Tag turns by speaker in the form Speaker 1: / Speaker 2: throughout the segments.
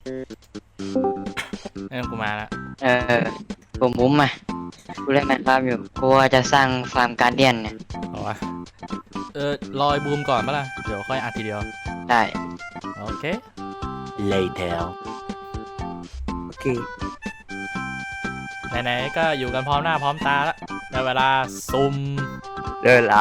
Speaker 1: กูมาแล้ว
Speaker 2: ผมมุ้มอ่ะกูเล่นแมนฟาร์มอยู่กูว่าจะสร้างฟาร์มการเดียนเนี่ย
Speaker 1: เอาวะรอยบูมก่อนปะล่ะเดี๋ยวค่อยอัดทีเดียว
Speaker 2: ได้
Speaker 1: โอเค
Speaker 3: later
Speaker 4: โอเค
Speaker 1: ไหนๆก็อยู่กันพร้อมหน้าพร้อมตาแล้วได้เวลาซุ่ม
Speaker 4: เดินละ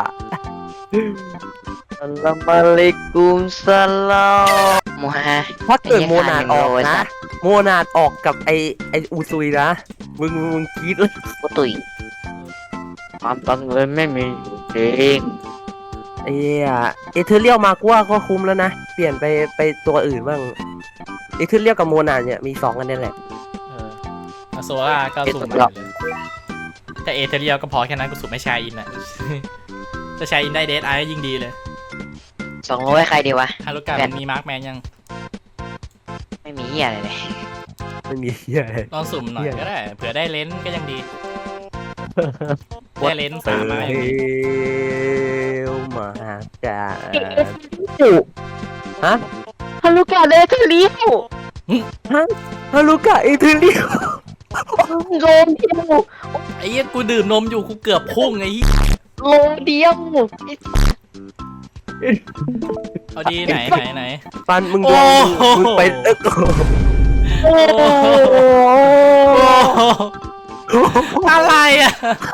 Speaker 2: อัลลอฮฺอะลัยกุมสลามมูฮะ
Speaker 4: ถ้าเกิดโมนาดออกนะโมนาดออกกับไออูซุยนะมึงกรี๊ดเลย
Speaker 2: กูตุยความตังเงินไม่มีจริง
Speaker 4: ไอ้เอเธอเรียลมากูว่าก็คุ้มแล้วนะเปลี่ยนไปตัวอื่นบ้างเอเธอเรียลกับโมนาดเนี่ยมี2กันนี่แหละ
Speaker 1: โซล่าก็สุ่มมาเลยแต่เอเธเรียลก็พอแค่นั้นกูสุ่มไม่ชายอินอ่ะจะชายอินได้เดทไอยิ่งดีเลย
Speaker 2: 200ใครดีวะ
Speaker 1: ฮารุกะมันมีมาร์คแมนยัง
Speaker 2: ไม่มีเหี้ยอะไรเลย
Speaker 4: ไม่มีเหี้ยอะไร
Speaker 1: ลองสุ่มหน่อยก็ได้เผื่อได้เลนส์ก็ยังดีได้เลนส์3ไม้
Speaker 4: มาจ้า
Speaker 2: ฮะฮารุกะเดทเรียว
Speaker 4: ฮะฮารุกะเอเธอเรียล
Speaker 2: โลเดียว
Speaker 1: ไอ้เหี้ยกูดื่มนมอยู่กูเกือบพุ่งไอ้เหี้ย
Speaker 2: โลเดียว
Speaker 1: เอาดีไหน
Speaker 4: ปันมึงดูมึงไป
Speaker 1: อะไรอ่ะ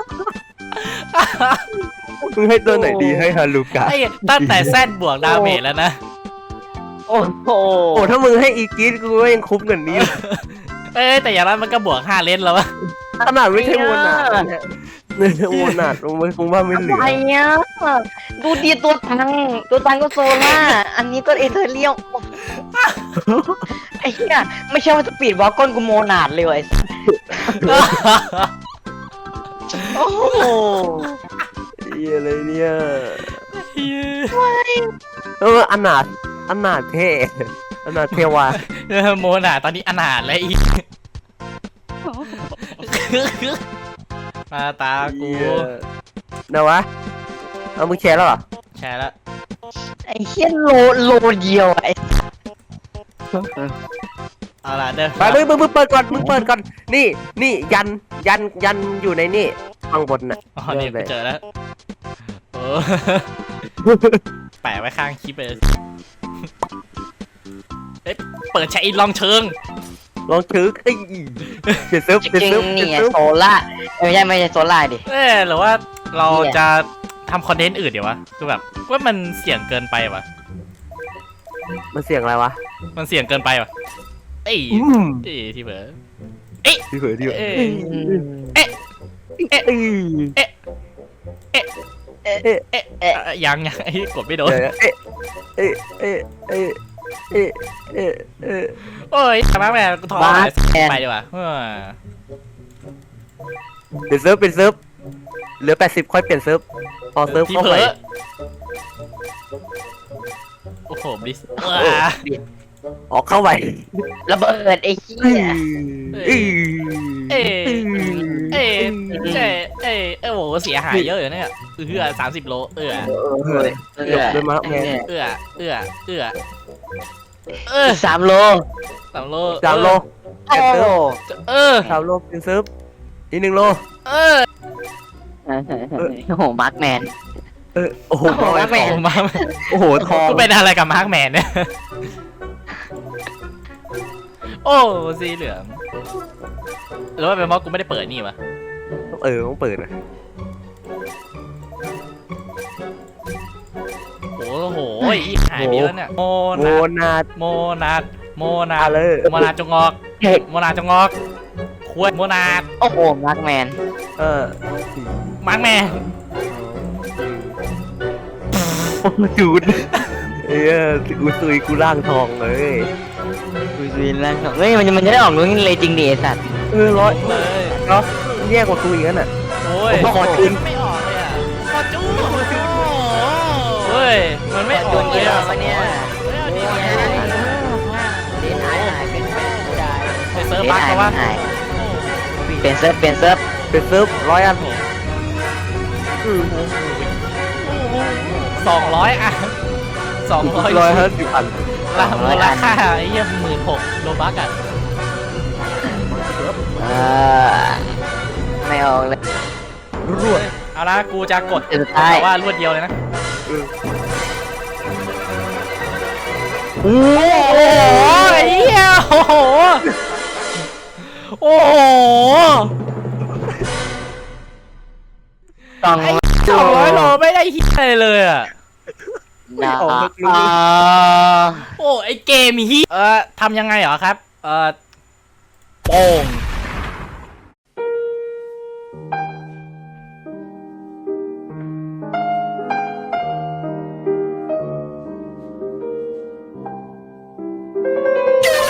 Speaker 4: มึงให้ตัวไหนดีให้ฮารุกะ
Speaker 1: ตั้งแต่แซดบวกดาเมจแล้วนะ
Speaker 2: โอ้
Speaker 4: ถ้ามึงให้อีกิสกูก็ยังคุ้มกว่านี้
Speaker 1: แต่อย่างนั้นมันก็บวก5เลนแล้ววะ
Speaker 4: ขนาดไม่ใช่โมนาดโมนาดมึงคงว่าไม่เหลือ
Speaker 2: อะไรเนี่ยดูดีตัวตังก็โซล่าอันนี้ก็เอเธอเรียลไอ้เหี้ยไม่ใช่ว่าสปีดวอลก้นกูโมนาดเลยไอ้โอ้โห
Speaker 4: อะไรเนี่ยอนาถเท่อนาถเทวา
Speaker 1: โมนาดตอนนี้อนาถเลยอีมาตากู
Speaker 4: นะวะเอามึงแชร์แล้วเหรอ
Speaker 1: แชร์แล้ว
Speaker 2: ไอ้เหี้ยโลเดียวไอ้
Speaker 1: เอาล่ะเด้อ
Speaker 4: ไปมึงเปิดก่อนนี่ยันอยู่ในนี่ข้างบนน่ะ
Speaker 1: อ๋อนี่ไปเจอแล้วโอ้แปะไว้ข้างคลิปเลยเปิดใช้อินลองเชิง
Speaker 4: เปลี่ยนเซิร์ฟ
Speaker 2: นี่ไงโซล่าไม่ใช่โซล่าดิ
Speaker 1: หรือว่าเราจะทำคอนเทนต์อื่นเดี๋ยววะคือแบบว่ามันเสี่ยงเกินไปวะ
Speaker 4: มันเสี่ยงอะไรวะ
Speaker 1: มันเสี่ยงเกินไปวะที่เผลอ
Speaker 4: ที่เผลอ
Speaker 1: ยังไอ้กดไม่โดนโอ้ยทำไมแม่กูท้อไปดีกว่า
Speaker 4: เปลี่ยนเซิร์ฟเหลือ80ค่อยเปลี่ยนเซิร์ฟพอเซิร์ฟเข้าไป
Speaker 1: โอ้โหบิส
Speaker 4: ออกเข้าไป
Speaker 2: ระเบิดไอ้เหี้ย
Speaker 1: โอ้โหเสียหายเยอะอยู่เนี่ย30 โล
Speaker 4: ด้วยมั้งแม่
Speaker 2: 3 โล
Speaker 4: 3 โลเปลี่ยนเซิร์ฟ3 โลเปลี่ยนเซิร์ฟอีก1 โล
Speaker 2: โอ้โหมาร์คแมน
Speaker 4: โอ้โห
Speaker 2: มาร์คแมน
Speaker 4: โอ้โหทอง
Speaker 1: กูเป็นอะไรกับมาร์คแมนเนี่ยโอ้สีเหลืองหรือว่าเป็นเพราะกูไม่ได้เปิดนี่วะ
Speaker 4: ต้องเปิดนะ
Speaker 1: โอ้โหหายไปแล้วเนี่ยโมนาด
Speaker 4: เลย
Speaker 1: โมนาดจงอกคุยโมนาด
Speaker 2: โอ้โหมาร์คแมน
Speaker 1: มาร์คแมน
Speaker 4: จูดกูซุยกูร่างทองเลย
Speaker 2: กูซุยร่างทองเฮ้ยมันจะได้ออกรู้งี้เลยจริงดิไอ้สัตว์
Speaker 4: ร้อยเลยเนาะแย่กว่ากูอีกนั่นน่ะ
Speaker 1: โอ้ย
Speaker 4: ขอจูน
Speaker 1: ไม่ออกเลยอ่ะขอจูนเฮ้ยมันไม่ออกเลยอ่ะ
Speaker 2: เนี่ยเดนหายเป็นแฟนได้
Speaker 1: เซิร์ฟบั๊กเพราะว่า
Speaker 2: เปลี่ยนเซิร์ฟ
Speaker 4: 100 อัน
Speaker 1: 200 อัน200
Speaker 4: อัน
Speaker 1: มูลค่าไอ้เหี้ย16,000โลบักอ่ะ
Speaker 2: เออไม่ออกเลย
Speaker 4: รวด
Speaker 1: เอาละกูจะกด
Speaker 2: สุดท้าย
Speaker 1: แต่ว่ารวดเดียวเลยนะ
Speaker 2: โอ้
Speaker 1: โอ้โหไอ้เหี้ยโอ้โหโอ้โห
Speaker 2: ต้อง
Speaker 1: ไอ้200 โลไม่ได้เหี้ยอะไรเลยอ่ะ
Speaker 2: นะ
Speaker 1: โอ้ไอเกมเหี้ยทำยังไงเหรอครับโป่ง